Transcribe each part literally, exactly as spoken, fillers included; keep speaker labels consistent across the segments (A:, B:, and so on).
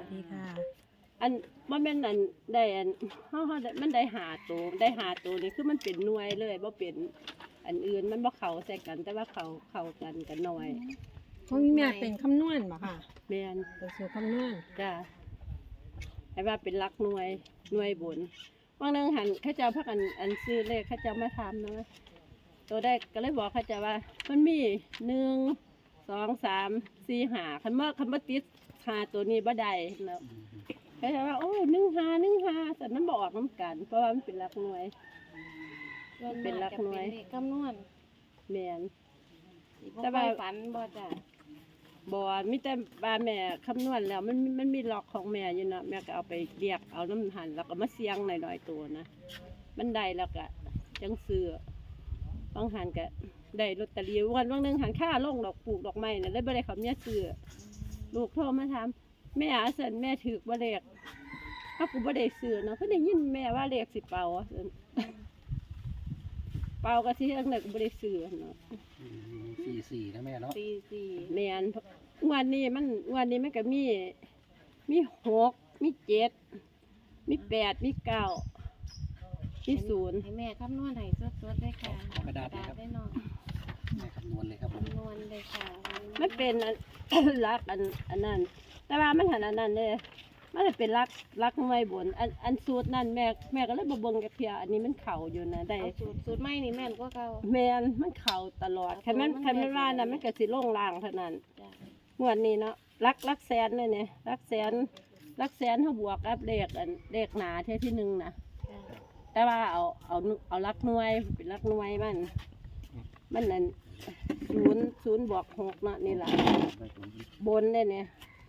A: ดีค่ะ
B: อันมันเป็นอันได้อันเฮาเฮาได้มันได้หาตัวได้หาตัวนี่คือมันเป็นหน่วยเลยบ่เป็นอันอื่นมันบ่เข้าใส่กัน แต่ว่าเข้าเข้ากันกันหน่อย
A: ของแม่เป็นคำนวณบ่ค่ะ
B: แม่น
A: เป็นสูตรคำนวณ
B: จ้ะให้ว่าเป็นหลักหน่วยหน่วยบนบางนึงหันเขาเจ้าพักอันอันซื้อเลขเขาเจ้ามาทำนะตัวได้ก็เลยบอกเขาเจ้าว่ามันมีหนึ่งสองสามสี่ห้าคันเมื่อคันเมื่อติดหาตัวนี้บ่ได้แล้วเขาจะว่าโอ้ยหนึ่งหาหนึ่งหาแต่มันบออกน้ำกัน เพราะว่ามันเป็นหลักหน่วยเป็นหลักหน่วย
C: คำนวณ
B: แมน
C: แต่ว่าฝันบ่จ้ะ
B: บอมีแต่บาแม่คำนวณแล้วมันมันมีล็อกของแม่อยู่นะแม่ก็เอาไปเรียกเอาน้ำหันแล้วก็มาเสียงหน่อยๆตัวนะมันได้แล้วก็จังซื้อบางหันก็ได้ลอตเตอรี่วันบางหนึ่งหันค่าลงดอกปลูกดอกไม้เนี่ยได้บ่ได้เขาเนี่ยซื้อลูกโทรมาถามแม่อาเซนแม่ถือบ่เลขถ้ากูบ่ได้ซื้อเนาะก็ได้ยินแม่ว่าเลขสิเป่าเป่าก็ที่เรื่องไหนกูบ่ได้ซื้อเนาะ
D: สี่สี่นะแม่เนาะ
B: สี่สี่แม่นวันนี้มันวันนี้มันก็มีมีหกมีเจ็ดมีแปดมีเก้ามีศูนย์
C: ให้แม่คำนวณให้สดๆได้ค่ะ
D: กระดาษได้เนาะแม่คำนวณเลยครับ
C: คำนวณเลยค่ะ
B: มันเป็นรักอันอันนั้นแต่ว่ามันหันอันนั้นเลยมันจะเป็นรักรักหน่วยบนอันอันสูตรนั่นแม่แม่ก็เลยบเบิ่งกับเพียอันนี้มันเข่าอยู่นะได้
C: สูตรสูตรไม่นี่แม่นกว่าเก่า
B: แม่นมันเข่าตลอดใครมันใครมันว่านะมันก็สิล่งลางเท่านั้นงวดนี้เนาะรักรักแสนเลยเนี่ยรักแสนรักแสนเขาบวกกับเลขอันเลขหนาเท่าที่หนึ่งนะแต่ว่าเอาเอาเอารักหน่วยเป็นรักหน่วยมันมันนั่นศูนย์ศูนย์บวกหกเนาะนี่แหละบนเลยเนี่ย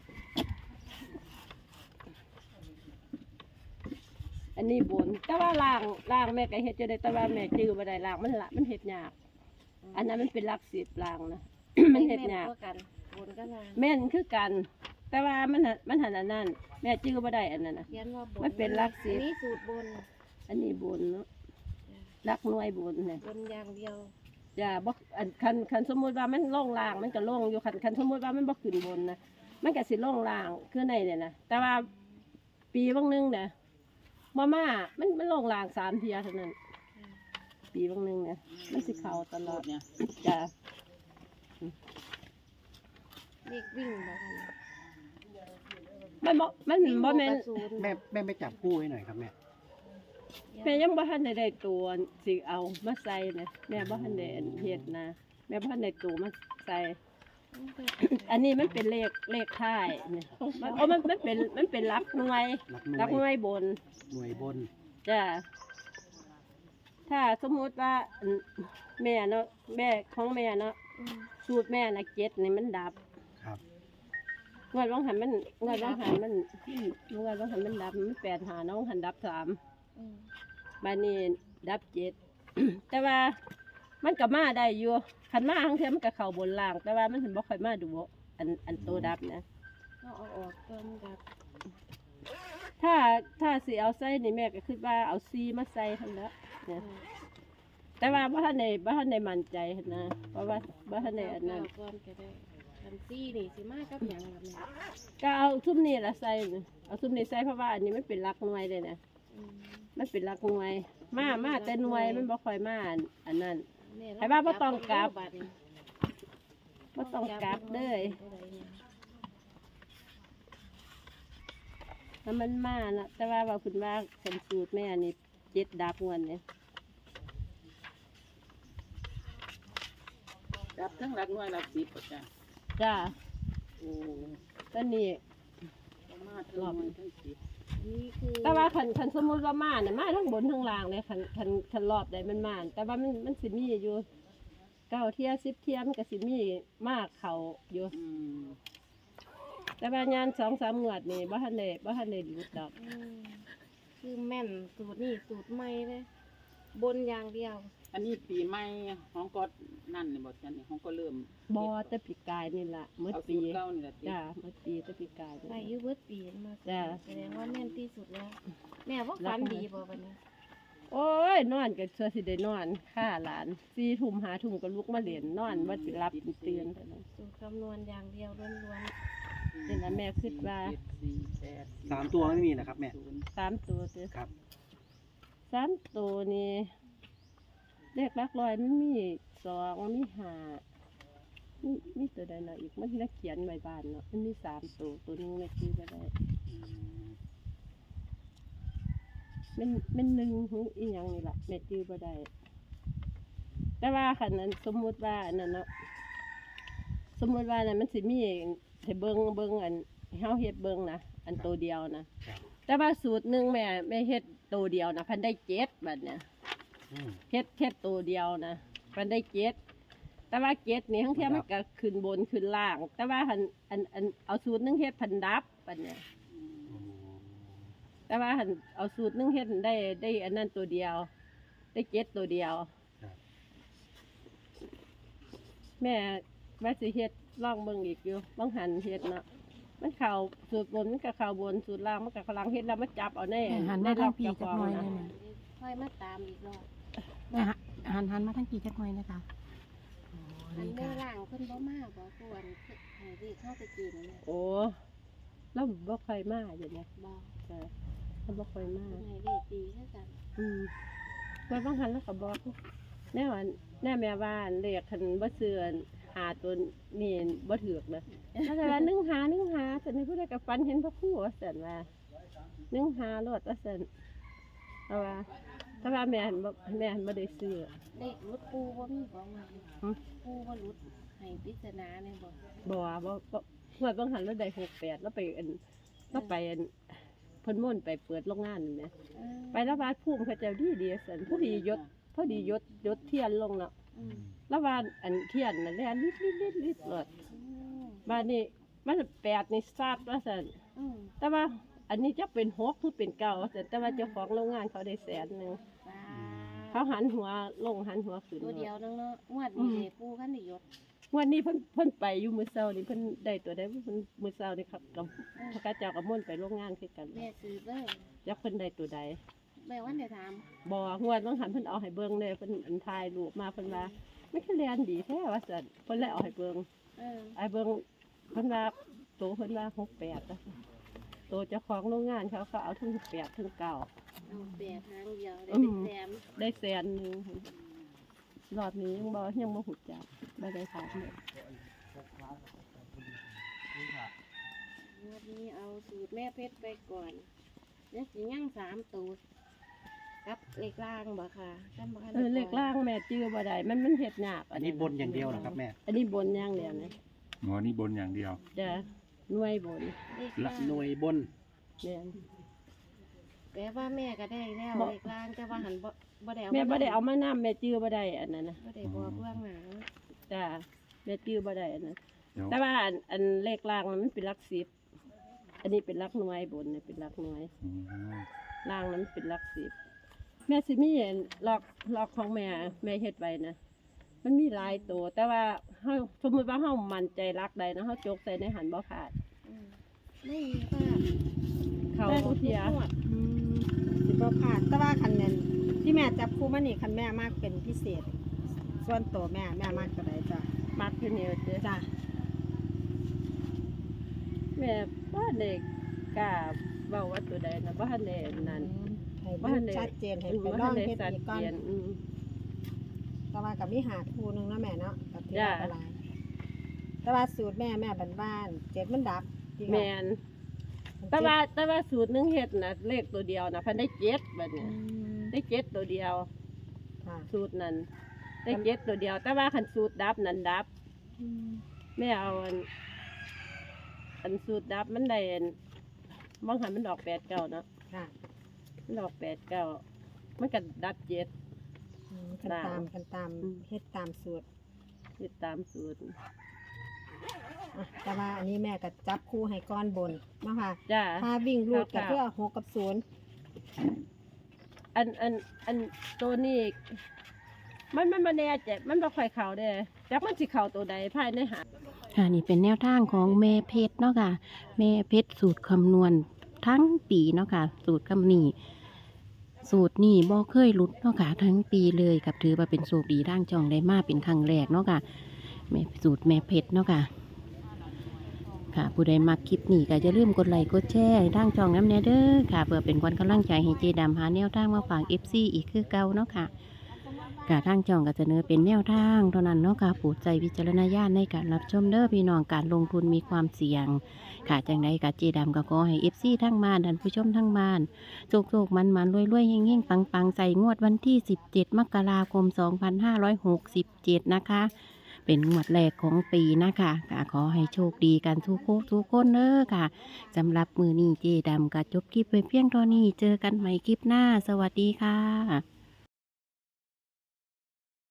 B: อันนี้บนแต่ว่าล่างล่างแม่ก็เฮ็ดจะได้แต่ว่าแม่จื้อบ่ได้ล่างมันละมันเฮ็ดยากอันนั้นมันเป็นรักสิบล่างนะ มันเฮ็ดยาก
C: บนก็ล่าง
B: แม่นคือกันแต่ว่ามันมันหันอันนั้นแม่จื้อบ่ได้อันนั้นนะมันเป็นรักสิบ
C: อันนี้สูตรบน
B: อันนี้บนเนาะรักหน่วยบนเนี่ย
C: บนอย่างเดียว
B: จ้าบ่อันคันคันสมมุติว่ามันล่องล่างมันก็ล่องอยู่คันคันสมมุติว่ามันบ่ขึ้นบนนะมันก็สิล่องล่างคือในเนี่ยนะแต่ว่าปีบางนึงเนี่ยมาม่ามันมันล่องล่างสามเทียเท่านั้นปีบางนึงเนี่ยมันสิเข้าตลอดเนี่ยจ้า
C: เด็กวิ่งบ่
B: มันบ่มันบ่แม่น
D: แม่แม่ไม่จับคู่ให้หน่อยครับแม่
B: แม่ยังบ่ทันได้ได้ตัวสิเอามาใส่นะแม่บ่ทันได้เฮ็ดนะแม่บ่ทันได้ตัวมาใส่อันนี้มันเป็นเลขเลขท้ายเนี่ยมันโอ้มันมันเป็นมันเป็นรักหน่วยรักหน่วยบน
D: หน่วยบน
B: จ้ะถ้าสมมติว่าแม่เนาะแม่ของแม่เนาะสูตรแม่นะเจ็ดนี่มันดับ
D: ครับ
B: เงินร้องหันมันเงินร้องหันมันเงินร้องหันมันดับมันแปดหาน้องหันดับสามบานนี้ดับเจ็ด แต่ว่ามันกับมาได้อยู่ขันมาทั้งเทียมันกับเข่าบนล่างแต่ว่ามันถึงบอกค่อยมาดูอันอันโตดับนะ
C: ก็เอาออกต้นดับ
B: ถ้าถ้าสีเอาไส้นี่แม่ก็คิดว่าเอาซีมาใส่ทั้งนั้นเนี่ยแต่ว่าบ้านในบ้านในมั่นใจนะเพราะว่าบ้านในอันนั้น
C: อันซีนี่สิมากกับอย่างแบบนี้
B: ก็เอาซุ้มนี่ละใส่เอาซุ้มนี่ใส่เพราะว่าอันนี้มันเป็นรักหน่วยเลยนะมันเป็นรักหน่วยมามาแต่หน่วยมันบ่ค่อยมาอันนั้นไอ้บ้าบ่ต้องกลับบ่ต้องกลับเลยถ้ามันมานะแต่ว่าว่าคุณว่าคนสูตรแม่นี่เจ็ดดับเงินเนี่ย
E: ดับทั้งรักน้อยรักสิบจ้ะ
B: จ้าโอ้ตอนนี้
E: มาทั้งน้อยทั้งสิบ
C: นี่คือ
B: แต่ว่าขันขันสมมติว่ามาเนี่ยมาทั้งบนทั้งล่างเลยขันขันขันรอบใดมันมาแต่ว่ามันมันสิมีอยู่เก้าเทียสิบเทียมันก็สิมีมากเขาอยู่แต่ว่างานสองสามงวดนี่บ้านเลยบ้านเลยหลุดดอก
C: คือแม่นสูตรนี่สูตรใหม่เลยบนอย่างเดียว
E: อันนี้ปีใหม่ของก็นั่นนี่บอกจันนี่ของก็เริ่ม
B: บอแต่ปีกายนี่แหละเมื่อปีจ้าเมื่อปีแต่ปีกาย
C: ไปยุบเมื่อปีมาจ้าแสดงว่าแม่นที่สุดแล้วแม่ว่าฝันดีบ่วันนี้
B: โอ้ยนอนกับเชื่อสิได้นอนฆ่าหลานสี่ทุ่มหาทุ่มก็ลุกมาเรียนนอนว่าจะรับตื่น
C: สูตรคำนวณอย่างเดียวล้วน
B: แนี่นะแม่คิดว่า
E: เจ็ดสี่แปด
D: สามตัวไม่มีนะครับแม่
E: ศูนย์
B: สามตัวเด้อ
D: ครับ
B: สามตัวนี่เลขหลักร้อยมันมีสองมีห้ามีมีตัวใดเนาะอีกมันนักเขียนไว้บ้านเนาะมันมีสามตัวตัวหนึงแม่คิดว่าได้
D: อืม
B: มันมันหนึ่งหูอีหยังนี่ล่ะแม่จื้อบ่ได้แต่ว่าคันนั้นสมมุติว่าอันนั้นเนาะสมมุติว่านั้นมันสิมีให้เบิ่งเบิ่งอันเฮาเฮ็ดเบิ่งนะอันตัวเดียวนะครับ แต่ว่าสูตรหนึงแม่แม่เฮ็ดตัวเดียวนะพันได้เจ็ดบัดเนี่ย
D: อืม
B: เฮ็ดแค่ตัวเดียวนะพันได้เจ็ดแต่ว่าเจ็ดนี่ทั้งเทีย
D: ครั
B: มัน
D: บ
B: ก็ขึ้นบนขึ้นล่าง แต่ว่าหันอันอันเอาสูตรหนึงเฮ็ดพันดับบัดเนี่ย
E: อืม
D: โอ้
B: แต่ว่าหันเอาสูตรหนึงเฮ็ดได้ได้อันนั้นตัวเดียว ได้เจ็ดตัวเดียว
D: ครับ
B: แม่ว่าสิเฮ็ดลองเบิ่งอีกอยู่บางหันเฮ็ดเนาะมันเข้าสูตรบนมันก็เข้าบนสูตรล่างมันก็เข้าล่างเฮ็ดแล้วมันจับเอาแน่
A: แม่หัน
B: ได้
A: มา
B: ล็
A: ทา
B: อง ก
A: พี่
B: เจ้า
A: จั
B: ข
A: ก
B: อง
A: หน่อย
B: นะ
A: ได้ไหม
C: ค่อยมาตามอีกรอบ
A: แม่หันหันมาทางพี่จักหน่อยนะคะโอ้
C: อัน
A: นี่
C: แม่
A: ค่ะ
C: ล่างเพิ่นบ่มาบ่ควรให้เรียกเข้าไปกินเนี่ย
B: โอ้เราบ่ค่อยมาอยู่เนี่ย
C: บ่
B: จ้ะเราบ่ค่อยมา
C: ให้เรียกดีคือกัน
B: อืมไว้บางหันแล้วก็บอกแน่ว่าแน่แม่บ้านเรียกคันบ่เสื่อนหาตัวนี่บ่ถูกเลยถ้าแต่ว่านึ่งหานึ่งหาสันนี่ผู้ใดก็ฝันเห็นพระครูว่าซั่นว่านึ่งหารถว่าซั่นเอาว่าถ้าว่าแม่หันบ่แม่หันบ่ได้ซื้อ
C: เลขรุดปูบ่มีบ่มา
B: หึ
C: ปูบ่รุดให้ปริศนาเนี่ยบ่
B: บ่ว่าบ่บ่งวดบางหันเราได้หกแปดแล้วไปอันเราไปอันเพิ่นม่วนไปเปิดโรงงานนี่แหม
C: เออ
B: ไปแล้วว่าภูมิเขาเจ้าดีดีซั่นพอดียศพอดียศยศเทียนลงเนาะ
C: อืม
B: แล้วว่าอันเทียนนั่นแหละลิดลิดลิดลิดเลย
C: อืม
B: บ้านนี้มันแปดนี่ซาดว่าซั่น
C: อืม
B: แต่ว่าอันนี้จะเป็นหกคือเป็นเก้าว่าซั่นแต่ว่าเจ้าของโรงงานเขาได้แสนหนึง
C: ปลา
B: เขาหันหัวลงหันหัวขึ้น
C: ตัวเดียวนึงเนาะงวดนี้เด้ปูคันได้ยศ
B: วันนี้เพิ่นเพิ่นไปอยู่มื้อเช้านี่เพิ่นได้ตัวได้เพิ่นมื้อเช้านี่ครับกับพระกาเจ้ากับม่วนไปโรงงานคือกัน
C: แม่ซื้อเลย
B: จักเพิ่นได้ตัวใด
C: แม่วันได้ถาม
B: บ่งวดบางหันเพิ่นเอาให้เบิ่งเลยเพิ่นอันถ่ายรูปมาเพิ่นว่ามันคือเรียนดีแท้ว่าซั่นเพิ่นเลยเอาให้เบิ่ง
C: เออ
B: ไอ้เบิ่งเพิ่นว่าโตเพิ่นว่าหกแปดอะโตเจ้าของโรงงานเขาก็เอาทั้งแปดทั้งเก้า
C: เอาแปดทางเดียวได้
B: อื
C: เป็น
B: ม
C: แสน
B: ได้แสนหนึงรอบนี้ยังบ่ยังบ่ฮู้จักบ่ได้ถามเลย
C: งวดนี้เอาสูตรแม่เพชรไปก่อนเดี๋ยวสิย่างสามตัวกับเลขล่างบ่ค่ะจำบ่คัน
B: เออเลขล่างแม่จื้อบ่ได้มันมันเฮ็ดยาก
D: อันนี้บนอย่างเดียวเหรอครับแม่
B: อันนี้บนอย่างเดียวนะ
F: อ๋อนี่บนอย่างเดียว
B: จะหน่วยบน
C: เลขล่าง
D: หน่วยบน
B: เนี่ย
C: แปลว่าแม่ก็ได้แล้ว
B: บ่
C: เลขล่างแต่ว่าหันบ่บ่ได้เอา
B: แม่บ่ได้เอา
C: มา
B: มานํแม่จื้อบ่ได้อันนั้นนะ
C: บ่ได้บอกเบื้องหลัง
B: จ้าแม่จื้อบ่ได้อันนั้น
F: เดี๋ยว
B: แต่ว่าอันอันเลขล่างมันเป็นหลักสิบอันนี้เป็นหลักหน่วยบนเนี่ยเป็นหลักหน่วย
F: อืม
B: ล่างนั้นเป็นหลักสิบแม่สิมีล็อกล็อกของแม่แม่เฮ็ดไว้นะมันมีหลายตัวแต่ว่าเฮาสมมุติว่าเฮามั่นใจรักใดนะเฮาจกใส่ในหันบ่ขาด
C: อืมไม่มีว่า
B: เข้าทุกเทีย
C: งวด
A: อืมสิบ่พลาดแต่ว่าคันนั้นที่แม่จับคู่มานี่คันแม่มากเป็นพิเศษ ส่วนตัวแม่แม่มากตัวใดจ้ะ
B: มักอยู่นี่ว่าเด้อ
A: จ้ะ
B: แม่บ่ได้กล้าเว้าว่าตัวใดนะบ่ทันได้นั่น
A: ให้
B: บ่
A: ดู
B: ทันได้
A: ชัดเจนให้
B: อืม
A: ไป
B: บ่
A: ล
B: ทั
A: อน ง
B: ได้
A: เฮ็ด
B: ชัด
A: อีกก่อน
B: เจนอืม
A: แต่ว่ากับมีหาคู่หนึงเนาะแม่เนาะกับที่
B: จ้ะ
A: ว่าอะไรแต่ว่าสูตรแม่แม่บ้านๆเจ็ดมันดับที่ว่า
B: แม่นแต่ว่าแต่ว่าสูตรหนึงเฮ็ดน่ะเลขตัวเดียวน่ะเพันได้เจ็ดบัด
A: อื
B: เนี้ย
A: ม
B: ได้เจ็ดตัวเดียว
A: ค่ะ
B: สูตรนั้นได้เจ็ดตัวเดียว แต่ว่าคันสูตรดับนั้นดับ
A: อืม
B: แม่เอาอันอันสูตรดับมันได้อันบางหันมันดอกแปดเก้าเนาะ
A: ค่ะ
B: มันดอกแปดเก้ามันก็ดับเจ็ด
A: อืมกัน
B: จ้ะ
A: ตามกันตาม
B: อืม
A: เฮ็ดตามสูตร
B: ติดตามสูตร
A: อ่ะแต่ว่าอันนี้แม่ก็จับคู่ให้ก้อนบนเนาะค่ะ
B: จ้า
A: ถ้าวิ่งรูดก็
B: ค่ะ
A: เพื่อหกกับศูนย์
B: อันอันอันตัวนี้มันมันมาแน่ใจมันบ่ค่อยเข้าเด้จักมันสิเข้าตัวใดภายในหา
G: ค่ะนี่เป็นแนวทางของแม่เพชรเนาะค่ะแม่เพชรสูตรคำนวณทั้งปีเนาะค่ะสูตรคำนี้สูตรนี่บ่เคยหลุดเนาะค่ะทั้งปีเลยกับถือว่าเป็นสูตรดีร่างจองได้มาเป็นครั้งแรกเนาะค่ะแม่สูตรแม่เพชรเนาะค่ะคค่ะ ผู้ใดมักคลิปนี้ก็จะลืมกดไลค์กดแชร์ให้ทางช่องน้ำแน่เด้อค่ะเพื่อเป็นกำลังใจให้เจดำหาแนวทางมาฝาก เอฟ ซี อีกคือเก่าเนาะค่ะกะทางช่องก็จะเสนอเป็นแนวทางเท่านั้นเนาะค่ะโปรดใจวิจารณญาณในการรับชมเด้อพี่น้องการลงทุนมีความเสี่ยงค่ะจังใดกะเจดำก็ขอให้ เอฟ ซี ทั้งบ้านท่านผู้ชมทั้งบ้านโชคๆมันๆรวยๆเฮงๆปังๆใส่งวดวันที่สิบเจ็ดมกราคมสองพันห้าร้อยหกสิบเจ็ดนะคะเป็นงวดแรกของปีนะคะก็ขอให้โชคดีกันทุกคนทุกคนเด้อค่ะสำหรับมือนี้เจดำก็จบคลิปไปเพียงเท่านี้เจอกันใหม่คลิปหน้าสวัสดีค่ะ